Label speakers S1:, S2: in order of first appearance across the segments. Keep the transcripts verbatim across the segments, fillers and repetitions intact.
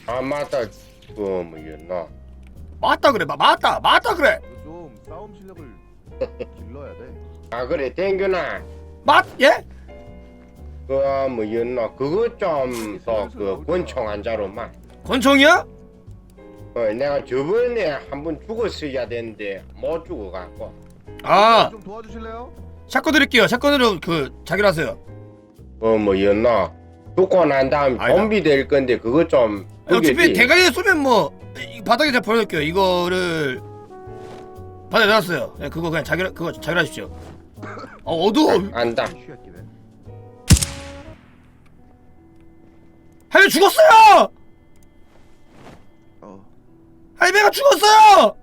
S1: 아 맞다. 그 뭐였나?
S2: 맞다 그래 마, 맞다 맞다 그래
S3: 좀 싸움 실력을 길러야 돼.
S1: 아 그래 댕겨나.
S2: 맞 예?
S1: 그 뭐였나? 그거 좀 더 그 권총 한자로만.
S2: 권총이야?
S1: 어 내가 저번에 한 번 죽었어야 되는데 못 죽어갖고.
S2: 아
S3: 좀 도와주실래요?
S2: 샷건 드릴게요 샷건으로 그 자기로 하세요
S1: 어 뭐였나? 죽고 난 다음
S2: 아니다.
S1: 좀비 될 건데 그거 좀.
S2: 어차피
S1: 그게지.
S2: 대가리에 쏘면 뭐 이 바닥에 제가 버려놓을게요 이거를 바닥에 놔놨어요 예, 그거 그냥 자기 그거 자기로 하십시오 어 어두워
S1: 안다.
S3: 쉬었기네.
S2: 할배 죽었어요
S3: 어
S2: 할배가 죽었어요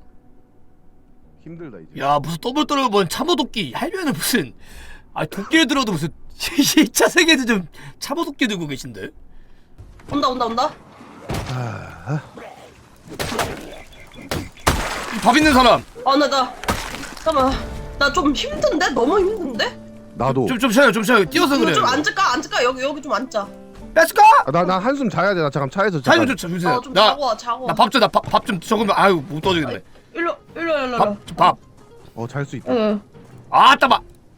S3: 힘들다 이제.
S2: 야 무슨 더블 떨어 뭔 참호도끼 할배는 무슨 아 도끼를 들어도 무슨 이 차 세계에서 좀 참호도끼 들고 계신데
S4: 온다 온다 온다.
S3: 아,
S2: 밥 있는 사람
S4: 아나나 잠깐만 나 좀 힘든데 너무 힘든데.
S3: 나도.
S2: 좀 좀 쉬어요 좀 쉬어요 뛰어서
S4: 이거
S2: 그래요
S4: 좀 앉을까 앉을까 여기 여기 좀 앉자.
S2: 렛츠고
S3: 아, 나, 나 한숨 자야 돼. 나 잠깐 차에서
S2: 사진
S3: 잠깐.
S2: 좀 주세요
S4: 어좀 자고 와 자고.
S2: 나 밥 좀 나 밥 좀 적으면 아유 못 떠주겠네
S4: 일로 일로 일로 일로.
S2: 밥 밥
S3: 어, 잘 수 있다.
S4: 응.
S2: 아 따봐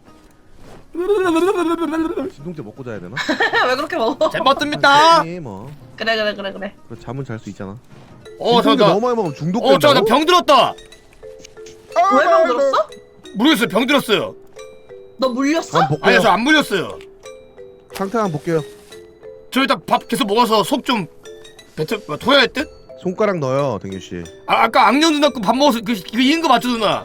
S3: 진통제 먹고 자야 되나?
S4: 왜 그렇게 먹어?
S2: 잘 먹습니다
S3: 아니, 뭐.
S4: 그래 그래 그래 그래.
S3: 그래, 잠은 잘 수 있잖아.
S2: 어
S3: 진통제
S2: 잠깐
S3: 너무 많이 먹으면 중독된다고?
S2: 어 잠깐 병 들었다
S4: 왜 병 들었어?
S2: 모르겠어요 병 들었어요
S4: 너 물렸어?
S3: 한번 볼게요.
S2: 아니요 저 안 물렸어요
S3: 상태 한번 볼게요.
S2: 저 일단 밥 계속 먹어서 속 좀 뱉어 뭐, 토해야 할 듯?
S3: 손가락 넣어요, 댕규 씨.
S2: 아 아까 악령 누나 거 밥 먹어서 그, 그 이긴 거 맞죠 누나?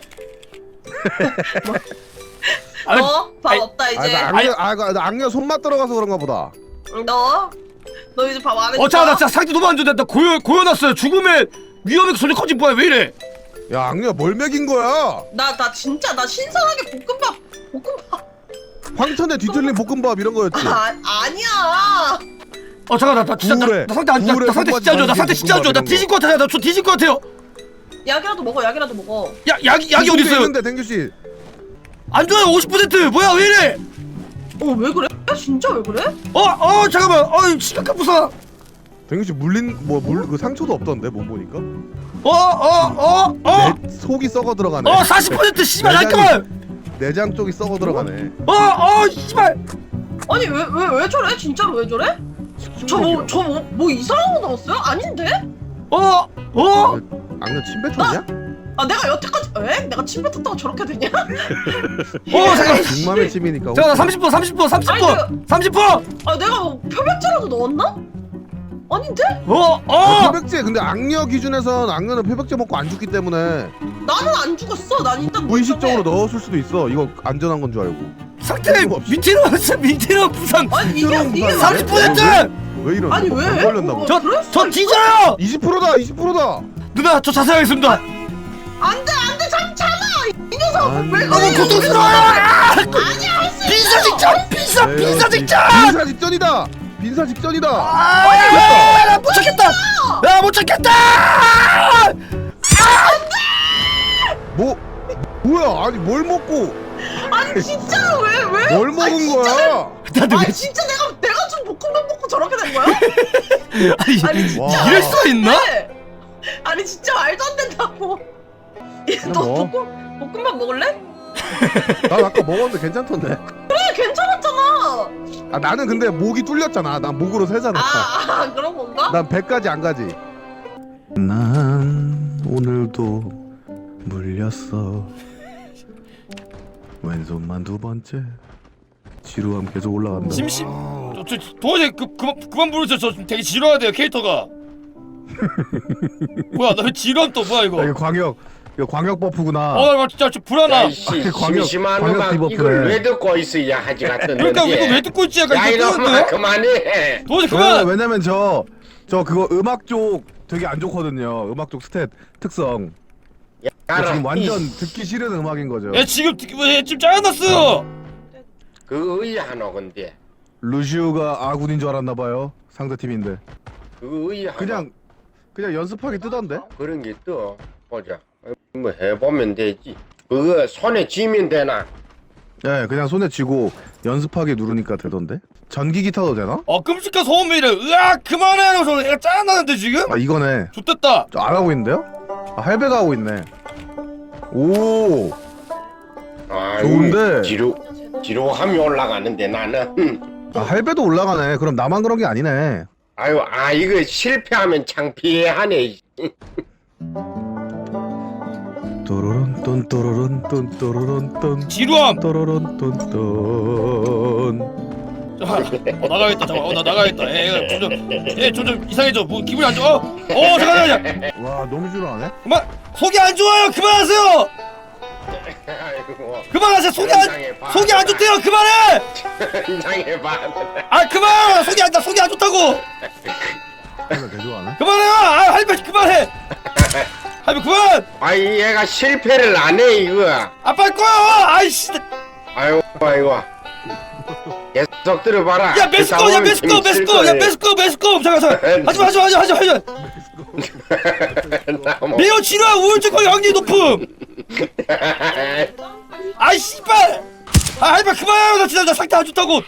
S2: 아,
S4: 너 밥
S2: 아니,
S4: 없다
S3: 아,
S4: 이제.
S3: 나 악녀, 아, 그, 나 악녀 손맛 들어가서 그런가 보다.
S4: 너? 너 이제 밥 안 해.
S2: 어 잠깐 나 진짜 상태 너무 안 좋은데 나 고여 고여놨어요 죽음의 위험의 소리 커진 뭐야 왜 이래?
S3: 야, 악녀 뭘 먹인 거야?
S4: 나나 진짜 나 신선하게 볶음밥 볶음밥.
S3: 황천에 뒤틀린 볶음밥 이런 거였지.
S4: 아 아니야.
S2: 어 잠깐 나, 나 진짜 나,
S3: 구울에,
S2: 나 상태 안, 나,
S3: 구울에
S2: 나 상태 진짜 안 좋아 나 상태 진짜 안 좋아 나 뒤질 것 같아 나저 뒤질 것 같아요
S4: 약이라도 먹어 약이라도 먹어.
S2: 야 약이 약이 어디 있어요?
S3: 있는데 댕규 씨.
S2: 안 좋아요 오십 퍼센트 뭐야 왜 이래?
S4: 어 왜 그래? 진짜 왜 그래?
S2: 어어 잠깐만 어 심각한 부상
S3: 댕규 씨 물린 뭐 물 그 상처도 없던데 몸 보니까.
S2: 어어어어어
S3: 내 속이 썩어 들어가네.
S2: 어 사십 퍼센트 씨발
S3: 내장이-
S2: 잠깐만
S3: 내장 쪽이 썩어 들어가네.
S2: 어어 씨발
S4: 아니 왜 왜 왜 저래? 진짜로 왜 저래? 저 뭐 저 뭐 뭐 이상한 거 나왔어요? 아닌데?
S2: 어어
S3: 악녀 침 뱉었냐?
S4: 아 내가 여태까지 왜? 내가 침 뱉었다고 저렇게 되냐?
S2: 어 잠깐
S3: 중맘의 침이니까.
S2: 잠깐 삼십 퍼 삼십 퍼 삼십
S4: 아니,
S2: 퍼 삼십 퍼
S4: 아 내가 뭐 표백제라도 넣었나? 아닌데?
S2: 어
S3: 아,
S2: 어
S3: 표백제 근데 악녀 기준에선 악녀는 표백제 먹고 안 죽기 때문에
S4: 나는 안 죽었어. 난 일단
S3: 무의식적으로
S4: 멀쩡해.
S3: 넣었을 수도 있어. 이거 안전한 건 줄 알고.
S2: 상태 밑으로 왔어 밑으로 부상
S4: 아니 이게
S3: 그럼
S4: 이게
S3: 부산
S2: 삼십
S4: 왜?
S2: 퍼센트
S3: 왜 이러지?
S4: 아니,
S3: 뭐
S4: 왜?
S3: 병 걸렸나 보다.
S4: 어,
S2: 저
S4: 그럴 수도
S2: 저
S4: 있어.
S2: 뒤져요
S3: 이십 퍼센트다 이십 퍼센트다.
S2: 누나 저 자살하겠습니다
S4: 안돼 안돼 잠 참아 이 녀석
S3: 안
S4: 왜
S3: 돼.
S4: 그래?
S2: 너무 고통스러워요 아!
S4: 아니야 할수
S2: 빈사 직전 빈사
S3: 에이,
S2: 빈사 직전
S3: 빈사 직전이다. 빈사 직전이다.
S2: 아못 찾겠다 야못 찾겠다
S3: 뭐 뭐야? 아니 뭘 먹고
S4: 아니 진짜로 왜 왜?
S3: 뭘 먹은
S4: 아니, 진짜
S3: 거야?
S2: 나도
S4: 아니
S2: 왜
S4: 진짜 내가 내가 좀 볶음밥 먹고 저렇게 된 거야?
S2: 아니
S4: 아니 진짜
S3: 와.
S2: 이럴 수가 있나?
S4: 네. 아니 진짜 말도 안 된다고. 너
S3: 뭐?
S4: 볶음 볶음밥 먹을래?
S3: 난 아까 먹었는데 괜찮던데.
S4: 그래 괜찮았잖아.
S3: 아 나는 근데 목이 뚫렸잖아. 난 목으로 세잖아.
S4: 아, 아 그런 건가?
S3: 난 배까지 안 가지. 난 오늘도 물렸어. 왼손만 두 번째. 지루함 계속 올라간다.
S2: 심심 저, 저 도저히 그, 그만 그만 부르세요 저 좀 되게 지루하대요 캐릭터가 뭐야 나 왜 지루함 또 뭐야 이거
S3: 아, 이거 광역 이거 광역 버프구나.
S2: 어 나 진짜 좀 불안함
S1: 야이씨
S3: 광역-
S1: 심심한
S3: 광역
S1: 음악
S3: 디버프네.
S1: 이걸 왜 듣고 있어야 하지 같은
S2: 그러니까 이거 왜 듣고 있지 약간
S1: 야
S2: 이거
S1: 이놈아
S2: 뜨는데
S1: 그만해.
S2: 도저히
S3: 왜냐면,
S2: 그만
S3: 왜냐면 저, 저 그거 음악 쪽 되게 안 좋거든요. 음악 쪽 스탯 특성. 저 지금 완전 듣기 싫은 음악인 거죠.
S2: 야 지금 왜 지금 짜증났어요
S1: 그 의하노 근데
S3: 루시우가 아군인 줄 알았나 봐요. 상대 팀인데.
S1: 그 의하노
S3: 그냥 그냥 연습하기 뜨던데.
S1: 그런 게 떠 보자. 뭐 해보면 되지. 그거 손에 쥐면 되나?
S3: 예, 네, 그냥 손에 쥐고 연습하기 누르니까 되던데. 전기기 타도 되나?
S2: 어 끔찍한 소음이래. 으악 그만해 하면서 애가 짠나는데 지금?
S3: 아 이거네.
S2: 좋됐다.
S3: 저 안 하고 있는데요? 아, 할배가 하고 있네. 오.
S1: 아유,
S3: 좋은데.
S1: 뒤로 뒤로 하면 올라가는데 나는. 음.
S3: 아 할배도 올라가네. 그럼 나만 그런 게 아니네.
S1: 아유, 아 이거 실패하면 창피하네.
S3: 또로론 똔 또로론 똔 또로론 똔
S2: 지루함.
S3: 또로론 똔 똔.
S2: 어 나가겠다. 잠깐. 어나 나가겠다. 얘좀좀얘좀좀 이상해져. 뭐 기분이 안 좋아. 어, 어 잠깐 잠깐.
S3: 와 너무 지루하네.
S2: 그만. 속이 안 좋아요. 그만하세요.
S1: 아이고,
S2: 그만하세요. 속이 안 속이 안 좋대요. 그만해.
S1: 인상해봐.
S2: 아 그만. 속이 안나 속이 안 좋다고.
S3: 할배 개 좋아하네.
S2: 그만해요. 아 할배 그만해. 할배 그만.
S1: 아이 얘가 실패를 안 해 이거.
S2: 아빠 꺼요. 아이씨.
S1: 아이고 아이고. 계속 들어봐라.
S2: 야 메스꺼. 야 메스꺼. 메스꺼. 야 메스꺼. 메스꺼. 잠깐 잠깐. 하지마 하지마 하지마 하지마 하지마.
S1: 뭐.
S2: 매우 지루한 우울증 걸릴 확률이 높음. 아이 씨발. 아 할배 그만해요. 나 진짜 나 상태 안 좋다고.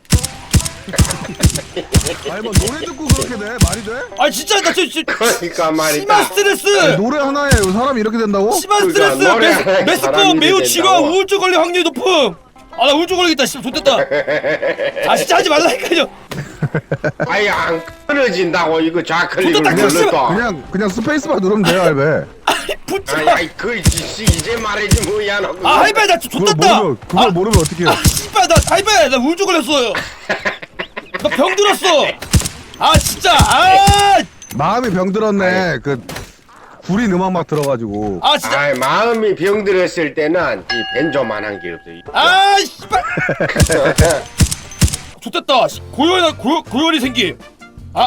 S3: 아니 뭐 노래 듣고 그렇게 돼? 말이 돼?
S2: 아 진짜 나 진짜
S1: 그러니까 말이다.
S2: 심한 스트레스.
S3: 아니, 노래 하나에 사람이 이렇게 된다고?
S2: 심한
S1: 그러니까
S2: 스트레스.
S1: 노래
S2: 메스,
S1: 하나에
S2: 메스꺼
S1: 사람이
S2: 매우
S1: 된다고.
S2: 지루한 우울증 걸릴 확률이 높음. 아 나 우울증 걸리겠다. 씨 좋됐다. 아 진짜 하지 말라니까요.
S1: 아이 안 끊어진다고 이거 좌클릭을
S2: 좋다, 딱
S1: 눌러도.
S3: 그냥 그냥 스페이스바 누르면 돼요 할배.
S2: 아이 붙지
S1: 아이
S2: 마.
S1: 아이 그 이제 이제 말해지 뭐야 너.
S2: 아 할배 나
S3: 그걸
S2: 좋됐다.
S3: 모르면 그걸 모르면 어떻게 해?
S2: 아 씨발 나 할배 나 우울증 걸렸어요. 나 병 들었어. 아 진짜 아.
S3: 마음이 병들었네. 그 구린 음악 막 들어가지고.
S2: 아 진짜
S1: 아이 마음이 병들었을 때는 이 벤조만한 게 없어.
S2: 아 씨발 좋됐다. 고열 고 고열이 생김. 아.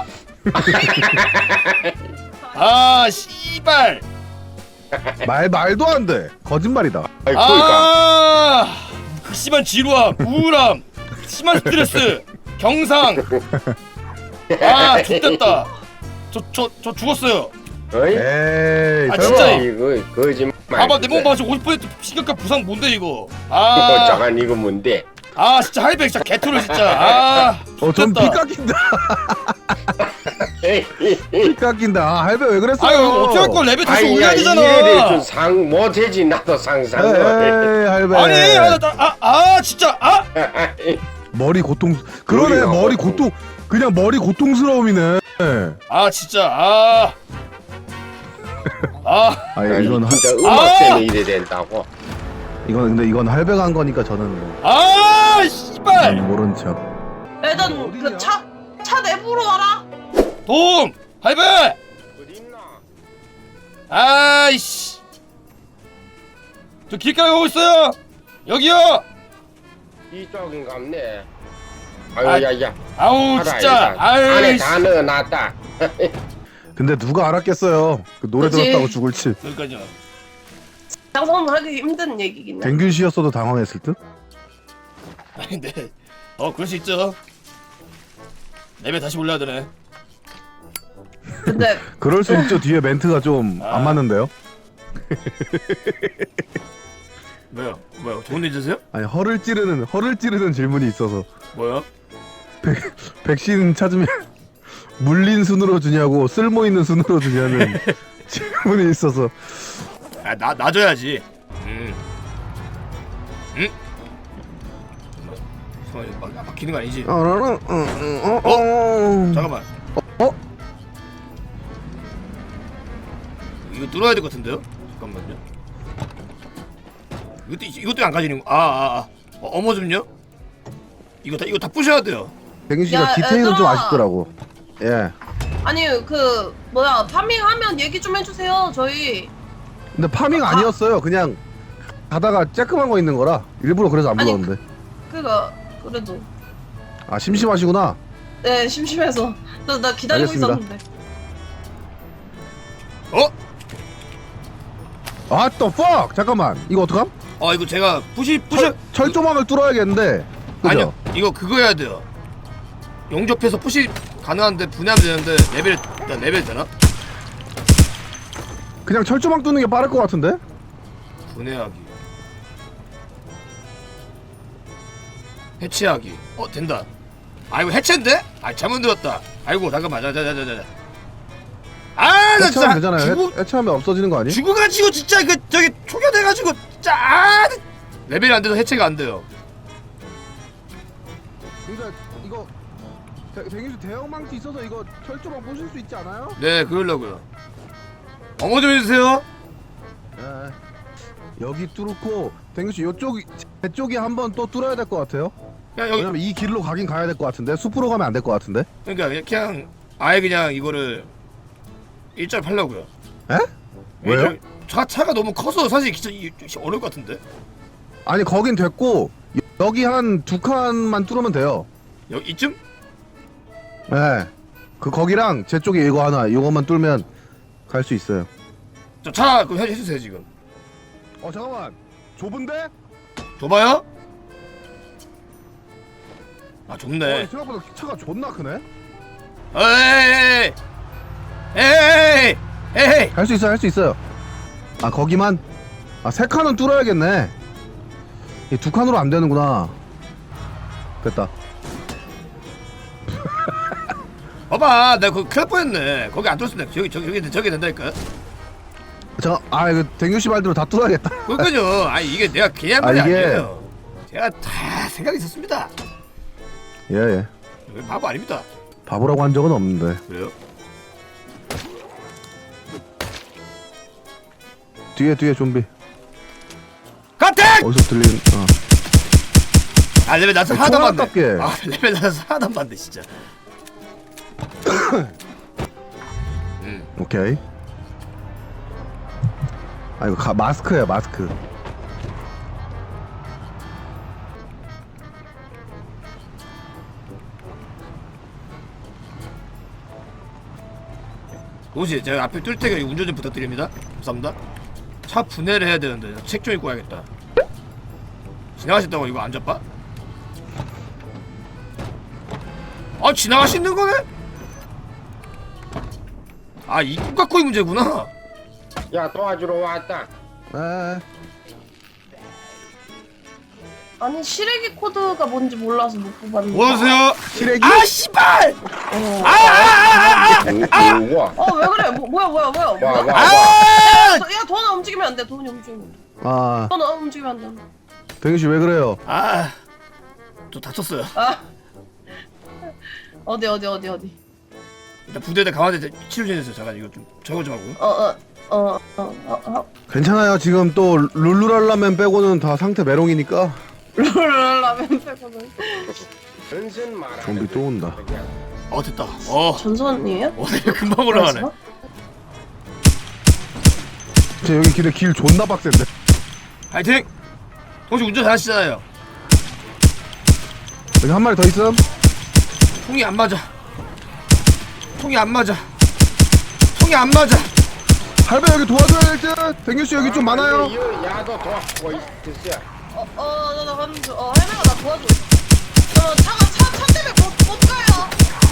S2: 아 씨발.
S3: 말 말도 안 돼. 거짓말이다.
S1: 아이 그러니까.
S2: 아 극심한 지루함, 우울함, 심한 스트레스, 경상. 아 좋됐다. 저 저 저 죽었어요.
S1: 어이?
S3: 에이.
S2: 아,
S3: 설마.
S2: 진짜.
S1: 이거 거짓말.
S2: 봐봐 내 몸 봐. 지금 오십 퍼센트 심각한 부상 뭔데 이거.
S1: 어,
S2: 아.
S1: 잠깐 이거 뭔데?
S2: 아 진짜 할배 진짜 개토를 진짜. 아.
S3: 어, 전 피
S2: 좋됐다.
S3: 깎인다. 피 깎인다. 아, 할배 왜 그랬어요?
S2: 아유 어떻게 할 거야. 레벨 다시
S1: 아이
S2: 올려야
S1: 야
S2: 되잖아.
S1: 이래를 좀상 못해지 나도 상상을.
S3: 에이, 할배.
S2: 아니 아, 나, 아, 아 진짜 아.
S3: 머리 고통. 그러네.
S1: 머리가
S3: 머리
S1: 고통.
S3: 고통. 그냥 머리 고통스러움이네.
S2: 아 진짜 아. 아.
S3: 아, 이건 하,
S1: 진짜 음악
S2: 아!
S1: 때문에 이래 된다고.
S3: 이건 근데 이건 할배가 한 거니까 저는 뭐,
S2: 아 씨발.
S3: 모른 척.
S4: 일단 그 차 차 내부로 와라.
S2: 도움 할배.
S1: 어딨나?
S2: 아이씨. 저 길가에 오고 있어요. 여기요.
S1: 이쪽인갑네.
S2: 아,
S1: 아유 야야.
S2: 아우 진짜.
S1: 안에
S2: 아이씨.
S1: 다 넣어놨다.
S3: 근데 누가 알았겠어요. 그 노래
S4: 그치.
S3: 들었다고 죽을지.
S2: 여기까지요.
S4: 상상하기 힘든 얘기긴 해.
S3: 댕균 씨였어도 당황했을 듯.
S2: 아니 근데 어 그럴 수 있죠. 레벨 다시 올려야 되네.
S4: 근데
S3: 그럴 수 있죠. 뒤에 멘트가 좀 안
S2: 아.
S3: 맞는데요.
S2: 뭐요? 뭐요? 좋은 일 있으세요?
S3: 아니 허를 찌르는 허를 찌르는 질문이 있어서
S2: 뭐요?
S3: 백신 찾으면 물린 순으로 주냐고 쓸모 있는 순으로 주냐는 질문이 있어서.
S2: 아나 놔줘야지. 음. 음? 잠깐만 막, 막, 막히는 거 아니지?
S3: 어, 어, 어, 어, 어.
S2: 잠깐만.
S3: 어?
S2: 이거 뚫어야 될 것 같은데요? 잠깐만요. 이것도 이것도 안 가지는 거. 아아 아. 어, 어머 좀요. 이거 다 이거 다 부셔야 돼요.
S3: 댕균 씨가
S4: 야,
S3: 디테일은 좀
S4: 얘들아.
S3: 아쉽더라고. 예.
S4: 아니 그 뭐야 파밍하면 얘기 좀 해주세요. 저희
S3: 근데 파밍 아니었어요. 그냥 가다가 쬐끔한 거 있는 거라 일부러 그래서 안
S4: 아니,
S3: 불렀는데.
S4: 그가 그래도
S3: 아 심심하시구나.
S4: 네 심심해서 나, 나 기다리고
S3: 알겠습니다.
S4: 있었는데.
S2: 어?
S3: 아, 또 fuck! 잠깐만. 이거 어떡함?
S2: 어 이거 제가 부시 부셔.
S3: 철, 철조망을 뚫어야겠는데. 그죠?
S2: 아니요. 이거 그거 해야 돼요. 용접해서 푸시 가능한데 분해하면 되는데 레벨 일단 레벨 되나?
S3: 그냥 철조망 뚫는 게 빠를 것 같은데?
S2: 분해하기. 해체하기. 어 된다. 아이고 해체인데? 아 잘못 들었다. 아이고 잠깐만 자자자자자. 아나
S3: 해체하면
S2: 진짜
S3: 되잖아요.
S2: 죽어
S3: 해, 해체하면 없어지는 거 아니?
S2: 죽어가지고 진짜 그 저기 초겨돼가지고 진짜 아 레벨이 안 돼서 해체가 안 돼요.
S3: 그러니까 이거 대기수 대형 망치 있어서 이거 철조망 부실 수 있지 않아요?
S2: 네 그러려고요. 어머 좀 해주세요.
S3: 예. 여기 뚫고 댕규씨 요쪽 제 쪽이 한번 또 뚫어야 될 것 같아요.
S2: 야 여기
S3: 왜냐면 이 길로 가긴 가야 될 것 같은데 숲으로 가면 안 될 것 같은데.
S2: 그러니까 그냥 아예 그냥 이거를 일절 팔려고요.
S3: 에? 왜요?
S2: 차 차가 너무 커서 사실 진짜 이- 어려울 것 같은데.
S3: 아니 거긴 됐고 여기 한 두 칸만 뚫으면 돼요.
S2: 여기 이쯤?
S3: 예. 그 거기랑 제 쪽에 이거 하나 이거만 뚫으면 갈 수 있어요.
S2: 저차 그거 해- 해주세요 지금.
S3: 어 잠깐만. 좁은데?
S2: 좁아요? 아
S3: 어,
S2: 좁네.
S3: 생각보다 차가 존나 크네.
S2: 에이 에이 에이
S3: 할 수 있어 할 수 있어요. 아 거기만. 아 세 칸은 뚫어야겠네. 이 두 칸으로 안 되는구나. 됐다.
S2: 봐봐 내가 그거 큰일 날 뻔했네. 거기 안 뚫었으면 저기 저기 저기 저기 된다니까.
S3: 잠깐 아 이거 댕규 씨 말대로 다 뚫어야겠다.
S2: 그러니까요. 아니 이게 내가 그냥
S3: 아,
S2: 말이
S3: 이게-
S2: 아니에요. 제가 다 생각이 있었습니다.
S3: 예 예.
S2: 바보 아닙니다.
S3: 바보라고 한 적은 없는데.
S2: 그래요?
S3: 뒤에 뒤에 좀비.
S2: 가택!
S3: 어디서 들리는? 어.
S2: 아 레벨 나서
S3: 아니,
S2: 하나도 안
S3: 총알
S2: 봤네.
S3: 깎게.
S2: 아 레벨 나서 하나도 안 봤네 진짜. 음.
S3: 오케이. 아 이거 가, 마스크야 마스크.
S2: 혹시 제가 앞에 뚫을 때 운전 좀 부탁드립니다. 감사합니다. 차 분해를 해야 되는데 책 좀 읽고 와야겠다. 지나가셨다고 이거 안 잡아? 아 지나가시는 거네? 아 입구 갖고의 문제구나.
S1: 야 도와주러 왔다.
S3: 에.
S4: 아니 시래기 코드가 뭔지 몰라서 못 뽑았는데.
S2: 오세요.
S3: 시래기?
S2: 아 씨발!
S4: 어.
S2: 아아아아아!
S1: 오, 와.
S4: 어 왜 그래? 뭐, 뭐야 뭐야 뭐야?
S1: 와,
S4: 뭐야?
S1: 와.
S2: 아!
S4: 야 돈 움직이면 안 돼. 돈이 움직이면 안 돼.
S3: 아
S4: 돈 움직이면 안 돼.
S3: 댕규 씨 왜 그래요?
S2: 아, 또 다쳤어요.
S4: 아 어디 어디 어디 어디.
S2: 일단 부대에 강화대 치료 중이었어요. 잠깐 이거 좀 적어 좀 하고요.
S4: 어어어어어 어, 어, 어.
S3: 괜찮아요. 지금 또 룰루랄라맨 빼고는 다 상태 메롱이니까.
S4: 룰라면 빼고는
S1: 전선 말하는
S3: 좀비 또 온다.
S1: 그냥.
S2: 어 됐다. 어,
S4: 전선이에요?
S2: 어 금방 올라가네.
S4: 그래서?
S3: 제 여기 길에 길 존나 빡센데.
S2: 파이팅! 혹시 운전 잘하시잖아요.
S3: 여기 한 마리 더 있음.
S2: 통이 안 맞아. 통이 안 맞아. 통이 안 맞아.
S3: 할배 여기 도와줘야 될 듯. 댕규 씨 여기 좀 많아요.
S1: 이 야도 도와주고 있어.
S4: 어어나 가는 중. 어 할매가 나 도와줘. 저 차가 차, 차 때문에 못, 못 가요.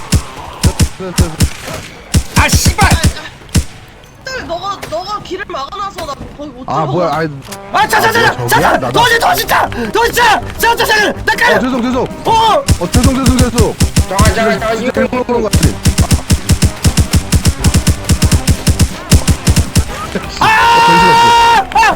S2: 아 씨발!
S4: 때문에 너가 너가 길을 막아놔서 나 거기 못
S3: 아
S4: 들어가.
S3: 뭐야? 아이.
S2: 아 자자자자!
S3: 저기야?
S2: 자자!
S3: 나도-
S2: 도와줘 도와줘 자! 도와줘 자! 자! 자! 자! 나
S3: 어
S2: 깔려!
S3: 죄송 죄송.
S2: 어!
S3: 어 죄송 죄송 죄송.
S1: 잠깐 잠깐 잠깐
S3: 진짜
S1: 이거
S3: 일부러 그런 거 같아.
S2: 아! 아! 아!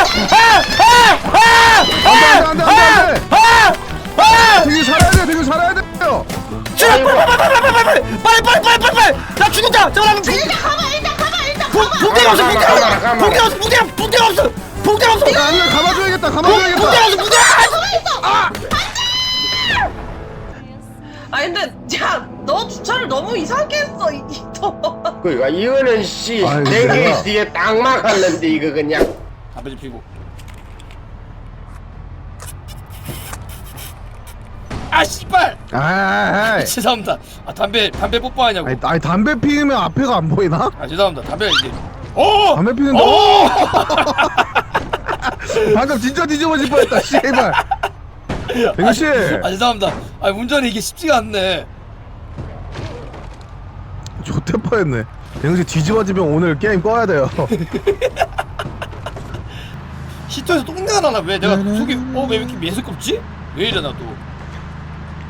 S2: 아!
S3: 안돼 안돼 안돼 안돼.
S2: 아! 아!
S3: 댕규 살아야 돼. 댕규 살아야 돼요.
S2: 빨리 빨리 빨리 빨리 빨리 빨리 빨리 빨리 빨리 빨리 빨리 나 죽는다 잠깐만
S4: 일단 가봐 일단 가봐 일단
S2: 붕-
S4: 가봐.
S2: 붕대가 없어 붕대가
S1: 가만,
S2: 없어
S1: 가만.
S2: 붕대가 없어 붕대가 붕대가 없어 붕대가 없어
S3: 야 안돼 감아줘야겠다.
S2: 붕대가
S3: 감아줘야겠다.
S2: 없어 붕대가
S4: 아 근데 야너 주차를 너무 이상하게 했어 이 너.
S1: 그니까 이거는 씨
S3: 아이고,
S1: 댕기
S3: 내가.
S1: 씨에 딱 막았는데 이거 그냥.
S2: 담배 좀 피고 아 씨발
S3: 아이.
S2: 죄송합니다 아 담배 담배 뽀뽀하냐고
S3: 아니, 아니 담배 피우면 앞에가 안 보이나?
S2: 아 죄송합니다 담배 이제 오!
S3: 담배 피는데.
S2: 오!
S3: 방금 진짜 뒤집어질 뻔했다. 씨발. 댕규 씨.
S2: 아 죄송합니다 아 운전이 이게 쉽지가 않네
S3: 좋대 뻔했네. 댕규 씨 뒤집어지면 오늘 게임 꺼야 돼요.
S2: 시터에서 똥내가 나나 왜 내가 속이 어왜 이렇게 매스껍지? 왜 이래 나또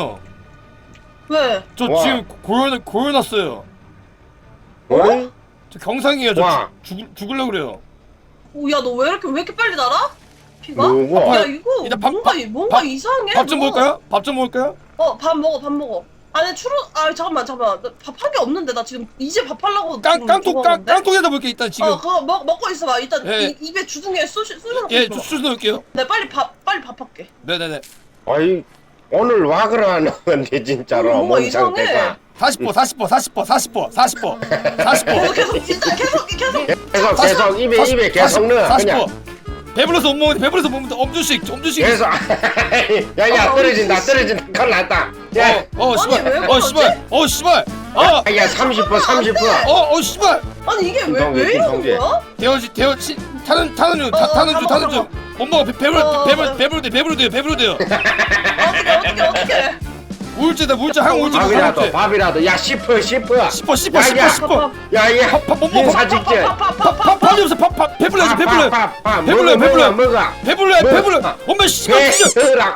S2: 죄송해요.
S4: 왜?
S2: 저
S1: 와.
S2: 지금 고열 고열났어요.
S1: 어?
S2: 저 경상이에요. 저
S1: 와.
S2: 죽, 죽 죽을려 그래요.
S4: 오, 야, 너 왜 이렇게 왜 이렇게 빨리 날아? 피가?
S1: 누구?
S4: 야, 이거
S2: 일단 밥-
S4: 뭔가
S2: 밥-
S4: 뭔가
S2: 밥-
S4: 이상해.
S2: 밥 좀
S4: 너.
S2: 먹을까요? 밥 좀 먹을까요?
S4: 어, 밥 먹어, 밥 먹어. 아니 추루, 아 잠깐만, 잠깐만. 밥 한 게 없는데 나 지금 이제 밥 하려고.
S2: 깡
S4: 지금
S2: 깡통
S4: 저거
S2: 깡
S4: 하는데?
S2: 깡통에다 볼게 일단 지금.
S4: 어, 그거 먹 먹고 있어봐. 일단
S2: 예.
S4: 이, 입에 주둥이에 쑤시 쑤셔놓고
S2: 예,
S4: 있어.
S2: 주스 넣을게요.
S4: 네, 빨리 밥 빨리 밥 할게.
S2: 네네네.
S1: 아이 오늘 와 그러는 건데 진짜로
S4: 뭔가
S1: 몸
S4: 이상해.
S1: 상태가
S2: 사십 번, 사십 번, 사십 번, 사십 번, 사십 번, 사십 번.
S4: 계속 계속 진짜 계속 계속.
S1: 계속 계속 입에 입에 계속 넣어
S2: 사십
S1: 그냥
S2: 번. 배불러서 못 먹는데 배불러서 못 먹는데 엄주씩, 엄주씩.
S1: 계속 야야
S4: 어,
S1: 떨어진다
S4: 씨.
S1: 떨어진다 큰일 났다 야
S2: 어, 어,
S4: 아니, 왜
S2: 씨발. 어,
S4: 그러지?
S2: 씨발. 어, 씨발. 어,
S1: 야 삼십 분 삼십 분
S2: 어, 어, 씨발.
S4: 아니 이게 왜
S1: 김성재,
S4: 왜 이러는
S1: 김성재.
S4: 거야?
S2: 대어지, 대어지. 타는 타는 중, 타-
S4: 어,
S2: 타는
S4: 어,
S2: 중,
S4: 다
S2: 타는
S4: 먹어,
S2: 중. 못 먹어. 배- 배불러,
S4: 어,
S2: 배불러,
S4: 어.
S2: 배불러 돼, 배불러 돼요, 배불러 돼요.
S4: 어떻게 어떻게 어떻게?
S2: 우울증이다, 우울증, 항 우울증,
S1: 밥이라도
S2: 항
S1: 밥이라도 야 씹어 씹어
S2: 씹어, 씹어,
S1: 야,
S2: 씹어,
S1: 야.
S2: 씹어.
S1: 야얘
S2: 밥못 먹어.
S1: 인사 직전
S2: 밥, 밥, 밥이 없어. 밥, 밥. 배불러야지, 배불러.
S1: 밥밥밥
S2: 배불러요,
S1: 먹어
S2: 배불러요.
S1: 먹어 먹어
S2: 배불러야,
S1: 뭐?
S2: 배불러. 엄마 씨발 진짜.
S1: 배랑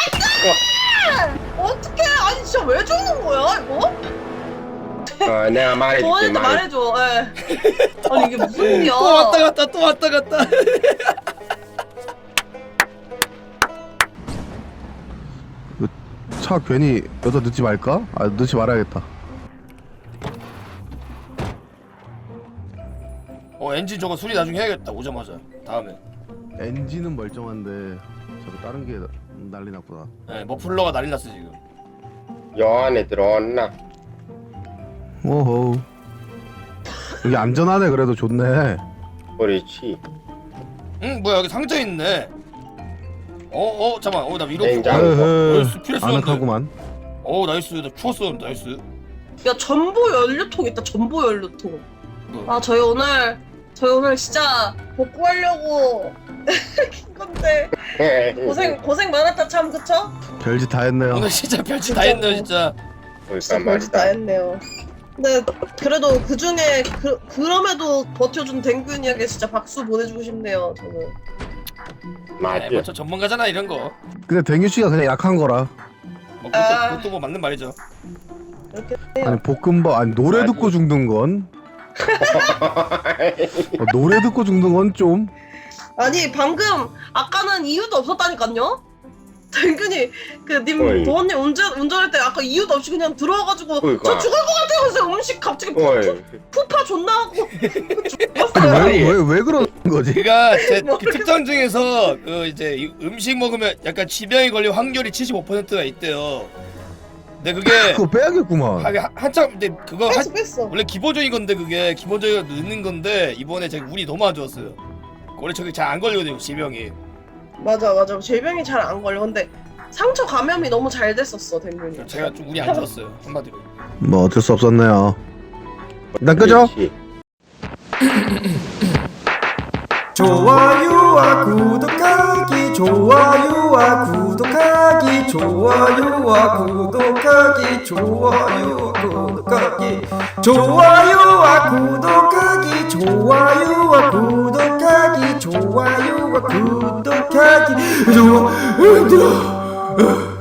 S4: 어떻게? 아니 진짜 왜 죽는 거야 이거?
S1: 어 내가 말해줄게
S4: 도원이한테
S1: 말
S4: 말해줘. 예. 아니 이게 무슨 일이야?
S2: 또 왔다 갔다, 또 왔다 갔다.
S3: 차 괜히 여기다 넣지 말까? 아 넣지 말아야겠다.
S2: 어, 엔진 저거 수리 나중에 해야겠다. 오자마자. 다음에.
S3: 엔진은 멀쩡한데 저거 다른 게 난리 났구나.
S2: 네, 머플러가 난리 났어 지금.
S1: 여 안에 들어왔나
S3: 오호. 여기 안전하네. 그래도 좋네.
S1: 그렇지
S2: 응, 뭐야 여기 상자 있네. 어, 어, 잠깐. 어, 나 이렇게.
S1: 냉장.
S2: 어,
S3: 에헤,
S2: 나이스 피했었는데.
S3: 아늑하구만.
S2: 어, 나이스. 나 추웠어. 나이스.
S4: 야 전보 연료통 있다. 전보 연료통.
S2: 뭐.
S4: 아 저희 오늘 저희 오늘 진짜 복구하려고 킨 건데 고생 고생 많았다 참 그쵸?
S3: 별짓 다 했네요.
S2: 오늘 진짜 별짓 다 했네 진짜.
S1: 그러니까
S4: 진짜 별짓 다
S1: 말이다
S4: 했네요. 근데 그래도 그 중에 그 그럼에도 버텨준 댕균이에게 진짜 박수 보내주고 싶네요. 저는.
S2: 네,
S1: 맞지
S2: 뭐저 전문가잖아 이런 거.
S3: 근데 댕규 씨가 그냥 약한 거라.
S2: 뭐
S4: 아.
S2: 그것도, 그것도 뭐 맞는 말이죠.
S4: 이렇게
S3: 아니 볶음밥 아니 노래
S1: 아니.
S3: 듣고 죽는 건 어, 노래 듣고 죽는 건 좀.
S4: 아니 방금 아까는 이유도 없었다니까요? 댕균이
S1: 어이.
S4: 그님 도원님 운전 운전할 때 아까 이유도 없이 그냥 들어와가지고
S1: 그러니까.
S4: 저 죽을 것 같아요. 그래서 음식 갑자기 푸,
S1: 어이
S4: 푸파 존나 하고
S3: 아니
S4: 죽었어요.
S1: 아니.
S3: 왜 왜 왜 그러는 거지?
S2: 그가 제
S4: 뭐
S2: 그 특정 중에서 그 이제 이 음식 먹으면 약간 지병이 걸릴 확률이 칠십오 퍼센트가 있대요. 근데 그게
S3: 그거 빼야겠구만.
S2: 하게 한- 한참 근데 그거 한,
S4: 뺐어 뺐어.
S2: 원래 기본적인 건데 그게 기본적으로 넣는 건데 이번에 제가 운이 너무 안 좋았어요. 원래 저게 잘 안 걸리거든요 지병이.
S4: 맞아 맞아 질병이 잘 안 걸려. 근데 상처 감염이 너무 잘 됐었어 댕균이.
S2: 제가 좀 운이 안 좋았어요 한마디로.
S3: 뭐 어쩔 수 없었네요. 일단 끄죠.
S1: 그렇지.
S5: 좋아요와 구독하기 좋아요와 구독하기 좋아요와 구독하기 좋아요와 구독하기 좋아요와 구독하기 좋아요와 구독하기 좋아요와 구독하기 좋아 힘들어